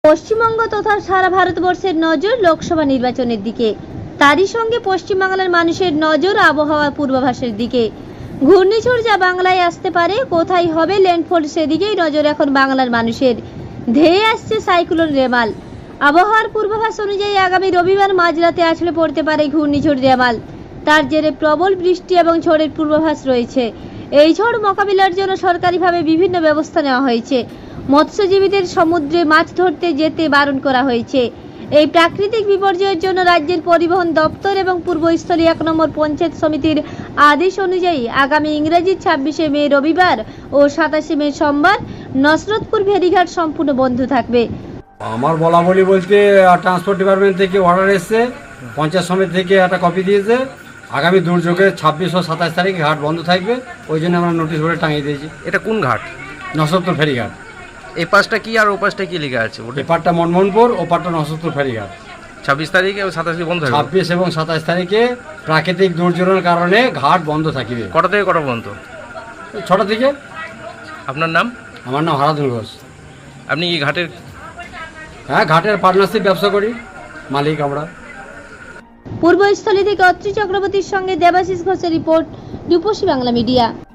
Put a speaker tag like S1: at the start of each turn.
S1: পশ্চিমবঙ্গ তথা সারা ভারতবর্ষের নজর লোকসভা নির্বাচনের দিকে। তারই সঙ্গে পশ্চিমবাংলার মানুষের নজর আবহাওয়া পূর্বাভাসের দিকে। ঘূর্ণিঝড় যা বাংলায় আসতে পারে, কোথায় হবে ল্যান্ডফল, সেদিকেই নজর এখন বাংলার মানুষের। ধেয়ে আসছে সাইক্লোন রেমাল। আবহাওয়ার পূর্বাভাস অনুযায়ী আগামী রবিবার মাঝরাতে আছড়ে পড়তে পারে ঘূর্ণিঝড় রেমাল। তার জেরে প্রবল বৃষ্টি এবং ঝড়ের পূর্বাভাস রয়েছে। এই ঝড় মোকাবিলার জন্য সরকারিভাবে বিভিন্ন ব্যবস্থা নেওয়া হয়েছে। মৎস্যজীবীদের সমুদ্রে মাছ ধরতে যেতে বারণ করা হয়েছে। এই প্রাকৃতিক বিপর্যয়ের জন্য রাজ্যের পরিবহন দপ্তর এবং পূর্বস্থলী 1 নম্বর পঞ্চায়েত সমিতির আদেশ অনুযায়ী আগামী ইংরেজি 26শে মে রবিবার ও 27শে মে সোমবার নসরতপুর ফেরিঘাট সম্পূর্ণ বন্ধ থাকবে।
S2: আমার বলাবলি বলতে ট্রান্সপোর্ট ডিপার্টমেন্ট থেকে অর্ডার এসছে, পঞ্চায়েত সমিতি থেকে একটা কপি দিয়েছে। আগামী দুর্যোগে 26 ও 27 তারিখে ঘাট বন্ধ থাকবে, ওই জন্য আমরা নোটিশ বোর্ডে টাঙিয়ে দিয়েছি।
S3: এটা কোন ঘাট?
S2: নসরতপুর ফেরিঘাট।
S3: এই পাশটা কি আর ও পাশটা কি লেখা আছে? ওটা
S2: এপারটা মনমোহনপুর, ওপারটা নসরতপুর ফেরিঘাট।
S3: 26 তারিখে ও 27 বন্ধ হবে।
S2: 26 এবং 27 তারিখে প্রাকৃতিক দুর্যোগের কারণে ঘাট বন্ধ থাকবে।
S3: কটা থেকে কটা পর্যন্ত?
S2: 6টা থেকে।
S3: আপনার নাম?
S2: আমার নাম হারাধন ঘোষ।
S3: আপনি এই ঘাটের?
S2: হ্যাঁ, ঘাটের পার্টনারশিপ ব্যবসা করি, মালিক আমরা।
S1: পূর্বস্থলী থেকে অত্রি চক্রবর্তীর সঙ্গে দেবাশিস ঘোষের রিপোর্ট, রূপসী বাংলা মিডিয়া।